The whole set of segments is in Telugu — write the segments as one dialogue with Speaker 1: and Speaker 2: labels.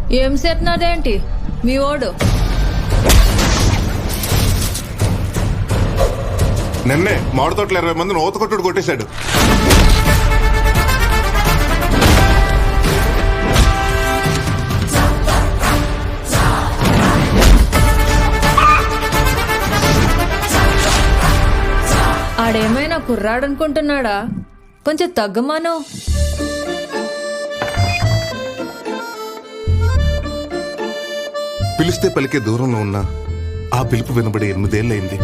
Speaker 1: ఏం చేస్తున్నాడేంటి మీ ఓడు?
Speaker 2: నిన్నే మామిడి తోటలు 20 మందిని ఊత కొట్టుడు కొట్టేశాడు.
Speaker 1: ఆడేమైనా కుర్రాడనుకుంటున్నాడా? కొంచెం తగ్గమాను.
Speaker 2: పిలిస్తే పలికే దూరంలో ఉన్నా ఆ పిలుపు వినబడి 8 ఏళ్ళయింది.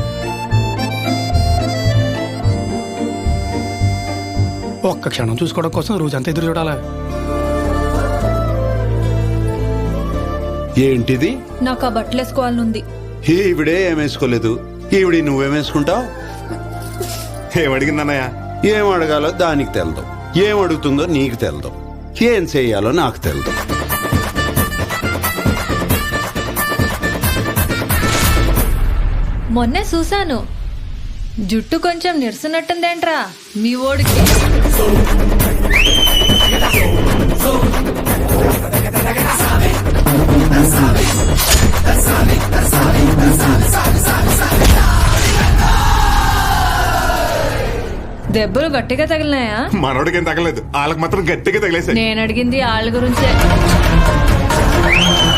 Speaker 3: ఒక్క క్షణం చూసుకోవడం కోసం రోజంతా ఎదురు చూడాలా?
Speaker 4: ఏంటిది?
Speaker 1: నాకు ఆ బట్టలు వేసుకోవాలనుంది.
Speaker 4: ఈవిడే ఏమేసుకోలేదు, ఈవిడి నువ్వేమేసుకుంటావు?
Speaker 2: ఏమడిగిందన్నయ్య?
Speaker 4: ఏం అడగాలో దానికి తెలదు, ఏం అడుగుతుందో నీకు తెలదు, ఏం చెయ్యాలో నాకు తెలదు.
Speaker 1: మొన్నే చూశాను, జుట్టు కొంచెం నిరసనట్టుందేంట్రా మీ ఓడికి? దెబ్బలు గట్టిగా తగిలినాయా?
Speaker 2: మనోడికేం తగలేదు, వాళ్ళకి మాత్రం గట్టిగా తగిలేశాయి.
Speaker 1: నేను అడిగింది వాళ్ళ గురించే.